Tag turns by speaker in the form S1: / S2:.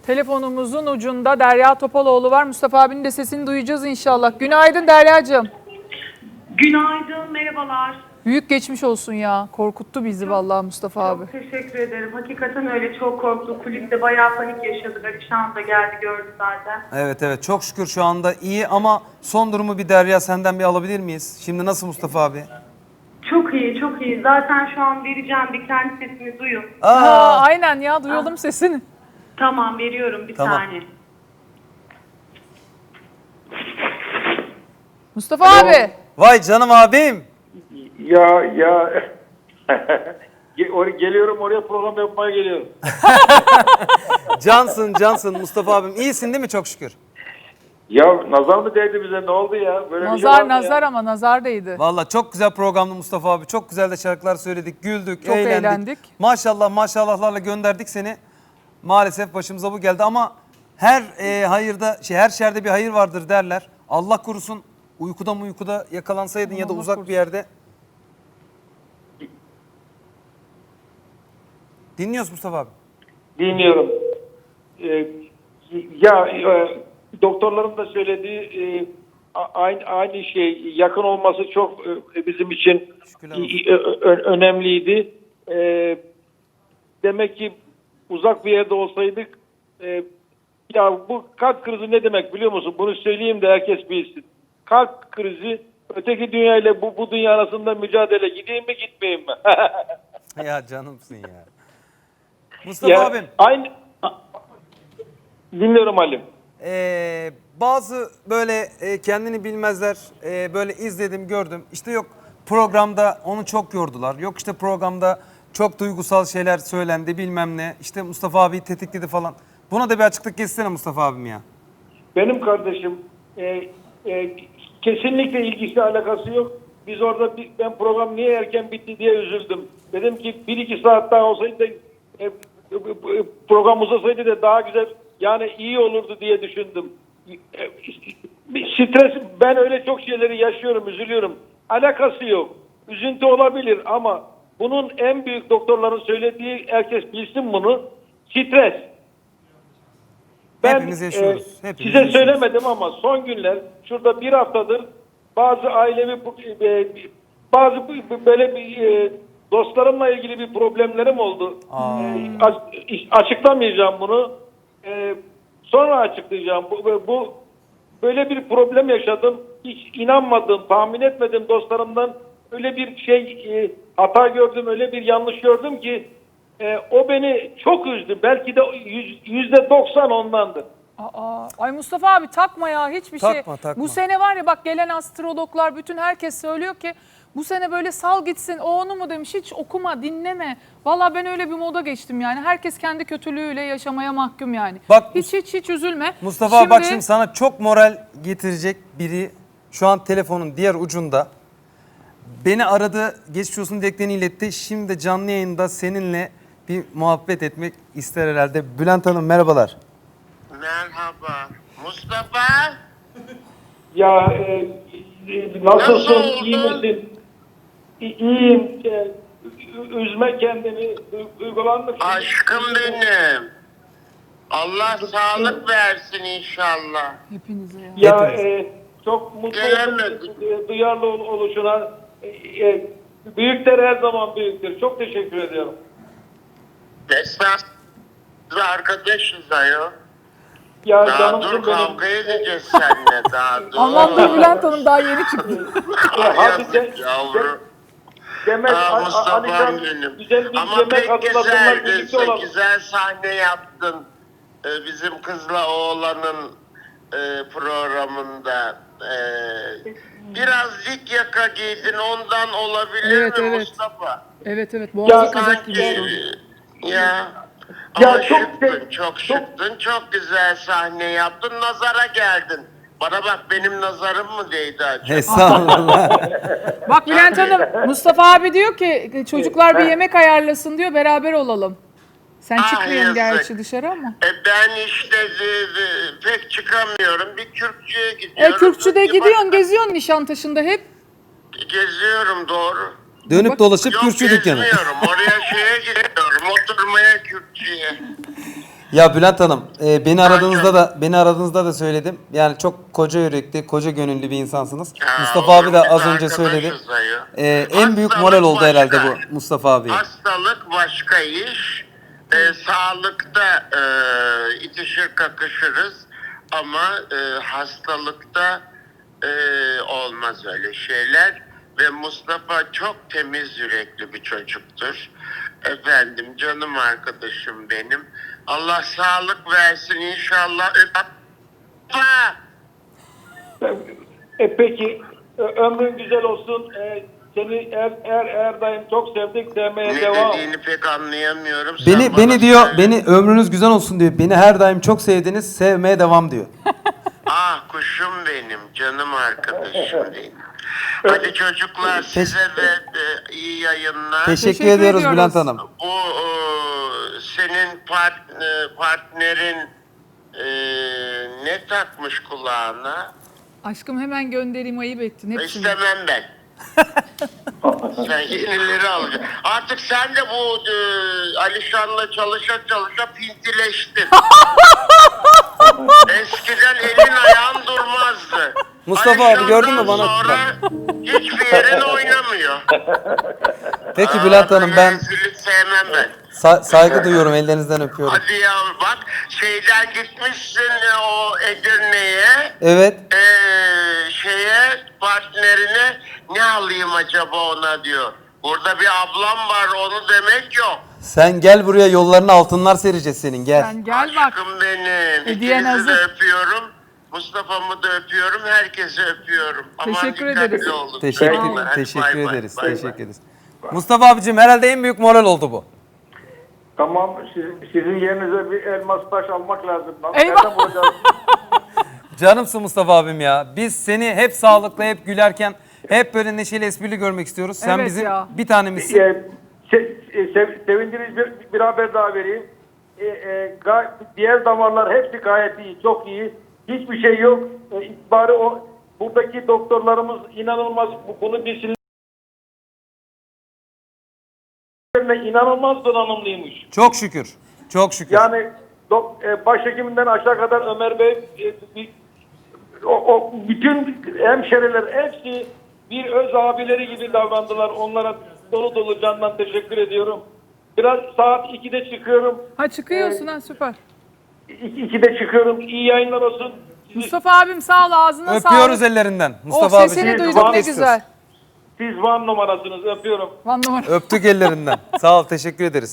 S1: Telefonumuzun ucunda Derya Topaloğlu var. Mustafa abinin de sesini duyacağız inşallah. Günaydın Deryacığım.
S2: Günaydın, merhabalar.
S1: Büyük geçmiş olsun ya. Korkuttu bizi vallahi Mustafa abi.
S2: Çok teşekkür ederim. Hakikaten öyle çok korktuk. Kulüpte bayağı panik yaşadık. Alişan da geldi gördü zaten.
S3: Evet çok şükür şu anda iyi ama son durumu bir Derya senden bir alabilir miyiz? Şimdi nasıl Mustafa abi?
S2: Çok iyi, çok iyi. Zaten şu an vereceğim bir kendi sesini duyun.
S1: Aynen ya duyalım sesini.
S2: Tamam veriyorum bir
S3: Tamam.
S2: saniye.
S1: Mustafa abi.
S3: Vay canım abim.
S4: Ya geliyorum oraya program yapmaya geliyorum.
S3: Cansın Mustafa abim. İyisin değil mi çok şükür?
S4: Ya nazar mı değdi bize, ne oldu ya? Böyle bir şey var
S1: Nazar
S4: mı
S1: nazar
S4: ya?
S1: ama nazar değdi.
S3: Vallahi çok güzel programdı Mustafa abi. Çok güzel de şarkılar söyledik, güldük,
S1: Çok eğlendik.
S3: Maşallah maşallahlarla gönderdik seni. Maalesef başımıza bu geldi ama her hayırda her şerde bir hayır vardır derler. Allah korusun uykuda yakalansaydın ya da
S1: Allah
S3: uzak
S1: korusun.
S3: bir yerde. Dinliyoruz Mustafa abi.
S4: Dinliyorum. Doktorların da söylediği aynı şey, yakın olması çok bizim için
S3: Şükürler olsun.
S4: önemliydi. Demek ki uzak bir yerde olsaydık, ya bu kalp krizi ne demek biliyor musun? Bunu söyleyeyim de herkes bilsin. Kalp krizi öteki dünya ile bu dünya arasında mücadele, gideyim mi gitmeyeyim mi?
S3: Ya canımsın ya. Mustafa
S4: Ya,
S3: abim.
S4: aynı dinliyorum Halim.
S3: Bazı böyle kendini bilmezler böyle izledim gördüm. İşte yok programda onu çok yordular. Yok işte programda çok duygusal şeyler söylendi bilmem ne. İşte Mustafa abi tetikledi falan. Buna da bir açıklık geçsene Mustafa abim ya.
S4: Benim kardeşim kesinlikle ilgisi alakası yok. Biz orada ben program niye erken bitti diye üzüldüm. Dedim ki 1-2 saat daha olsaydı da program uzasaydı da daha güzel, yani iyi olurdu diye düşündüm. Stres, ben öyle çok şeyleri yaşıyorum, üzülüyorum. Alakası yok. Üzüntü olabilir ama bunun en büyük doktorların söylediği, herkes bilsin bunu, stres.
S3: Hepimiz yaşıyoruz. Hepimiz
S4: Size
S3: yaşıyoruz.
S4: söylemedim ama son günler, şurada bir haftadır bazı ailevi, böyle dostlarımla ilgili bir problemlerim oldu. Açıklamayacağım bunu. Sonra açıklayacağım. Bu böyle bir problem yaşadım. Hiç inanmadım, tahmin etmedim dostlarımdan. Öyle bir hata gördüm, öyle bir yanlış gördüm ki o beni çok üzdü. Belki de %90 ondandır.
S1: Ay Mustafa abi takma ya hiçbir şey.
S3: Takma.
S1: Bu sene var ya bak gelen astrologlar bütün herkes söylüyor ki bu sene böyle sal gitsin. O onu mu demiş, hiç okuma dinleme. Valla ben öyle bir moda geçtim yani. Herkes kendi kötülüğüyle yaşamaya mahkum yani.
S3: Bak,
S1: hiç üzülme.
S3: Mustafa abi bak şimdi sana çok moral getirecek biri şu an telefonun diğer ucunda. Beni aradı, geçmiş olsun dileklerini iletti. Şimdi de canlı yayında seninle bir muhabbet etmek ister herhalde. Bülent Hanım merhabalar.
S5: Merhaba. Mustafa?
S4: Ya nasılsın?
S5: Nasıl
S4: İyi
S5: oldun?
S4: misin? İyiyim. Üzme kendini. Duygulanma.
S5: Aşkım benim. Allah sağlık versin inşallah.
S1: Hepinize ya.
S4: Ya
S3: Hepimiz.
S4: çok mutlu
S5: Gelemedim.
S4: oldum duyarlı oluşuna. Büyükler her zaman büyüktür. Çok teşekkür ediyorum.
S5: Esnaf arkadaşız ayol.
S4: Ya
S5: Daha
S4: canımsın
S5: dur
S4: benim.
S5: kavga edeceğiz seninle daha dur.
S1: Anlattı Bülent Hanım daha yeni çıktı.
S4: Hadi
S5: Yazık yavrum.
S4: Demek
S5: Mustafa'm
S4: Alişan
S5: benim.
S4: güzel bir
S5: Ama
S4: yemek
S5: pek
S4: hazırlasınlar,
S5: güzeldi.
S4: birlikte olalım.
S5: Güzel sahne yaptın. Bizim kızla oğlanın programında. Biraz dik yaka giydin, ondan olabilir
S1: Evet,
S5: mi
S1: evet.
S5: Mustafa?
S1: Evet boğazı kazak gibi
S5: Sanki
S1: oldu.
S5: ya.
S4: Ya
S5: Ama
S4: çok
S5: şıktın, çok şıktın, çok güzel sahne yaptın, nazara geldin. Bana bak, benim nazarım mı değdi acaba?
S3: Estağfurullah.
S1: Bak Bülent Hanım Mustafa abi diyor ki çocuklar bir yemek ayarlasın diyor beraber olalım. Sen
S5: Ah,
S1: çıkmıyorsun
S5: yazık.
S1: gerçi dışarı ama.
S5: Ben işte pek çıkamıyorum. Bir Kürkçü'ye gidiyorum.
S1: Kürkçü'de
S5: Bir
S1: gidiyorsun geziyorsun Nişantaşı'nda hep.
S5: Geziyorum, doğru.
S3: Dönüp dolaşıp
S5: Yok,
S3: Kürtçü dükkanı.
S5: gezmiyorum. Oraya gidiyorum. Oturmaya Kürkçü'ye.
S3: Ya Bülent Hanım, beni aradığınızda da söyledim. Yani çok koca yürekli, koca gönüllü bir insansınız.
S5: Ya,
S3: Mustafa abi de
S5: oğlum,
S3: az
S5: biz
S3: önce söyledi.
S5: arkadaşız ayı.
S3: En büyük
S5: Hastalık
S3: moral oldu herhalde
S5: başka.
S3: bu Mustafa abi.
S5: Hastalık başka iş. Sağlıkta itişir kakışırız ama hastalıkta olmaz öyle şeyler. Ve Mustafa çok temiz yürekli bir çocuktur. Efendim, canım arkadaşım benim. Allah sağlık versin inşallah.
S4: Peki ömrün güzel olsun. Seni her daim çok sevdik, sevmeye
S5: Ne
S4: devam.
S5: dediğini pek anlayamıyorum. Sen bana
S3: Beni diyor,
S5: söyle.
S3: beni ömrünüz güzel olsun diyor. Beni her daim çok sevdiniz, sevmeye devam diyor.
S5: Ah kuşum benim, canım arkadaşım benim. Hadi çocuklar size de iyi yayınlar.
S3: Teşekkür ediyoruz
S1: ediyoruz.
S3: Bülent Hanım.
S5: Bu senin partnerin ne takmış kulağına?
S1: Aşkım hemen göndereyim, ayıp ettin hepsini.
S5: İstemem ben. Sen yenileri alacaksın. Artık sen de bu Alişan'la çalışa pintileştin. Eskiden elin ayağın durmazdı.
S3: Mustafa abi gördün mü bana?
S5: Sonra hiçbir yerin oynamıyor.
S3: Peki Bülent Hanım, ben
S5: Rezillik sevmem ben.
S3: saygı duyuyorum, ellerinizden öpüyorum.
S5: Hadi ya bak şeyden gitmişsin o Edirne'ye.
S3: Evet.
S5: Partnerine ne alayım acaba ona diyor. Burada bir ablam var onu demek yok.
S3: Sen gel buraya, yollarına altınlar sereceğiz senin, gel.
S1: Sen gel bak.
S5: Aşkım benim.
S1: Hediyen
S5: İkinizi de
S1: hazır.
S5: öpüyorum. Mustafa'mı da öpüyorum. Herkesi öpüyorum.
S1: Teşekkür
S5: dikkatli
S1: ederiz.
S5: olun. Hadi
S3: Teşekkür
S5: bay bay,
S3: ederiz.
S5: bay bay.
S3: Teşekkür ederiz. Mustafa abicim, herhalde en büyük moral oldu bu.
S4: Tamam, sizin yerinize bir elmas taş almak lazım.
S1: Eyvah.
S4: Nereden bulacağız?
S3: Canımsın Mustafa abim ya. Biz seni hep sağlıklı, hep gülerken, hep böyle neşeli, esprili görmek istiyoruz. Sen
S1: Evet
S3: bizim
S1: ya.
S3: bir tanemizsin.
S4: Sevindirici bir haber daha vereyim. Diğer damarlar hepsi gayet iyi, çok iyi. Hiçbir şey yok. Bari buradaki doktorlarımız inanılmaz bunu bilsinler. İnanılmaz donanımlıymış.
S3: Çok şükür. Çok şükür.
S4: Yani başhekiminden aşağı kadar Ömer Bey, bütün hemşeriler hepsi bir öz abileri gibi davrandılar. Onlara dolu dolu candan teşekkür ediyorum. Biraz saat 2'de çıkıyorum.
S1: Ha çıkıyorsun ha, süper.
S4: 2'de çıkıyorum. İyi yayınlar olsun.
S1: Mustafa abim sağ ol, ağzına sağlık.
S3: Öpüyoruz ellerinden. Mustafa
S1: Oh,
S3: abicim.
S1: sesini
S4: Siz
S1: duyduk
S4: var
S1: ne
S4: mısınız?
S1: güzel.
S4: Siz Van numarasınız. Öpüyorum.
S1: Van numara.
S3: Öptük ellerinden. Sağ ol, teşekkür ederiz.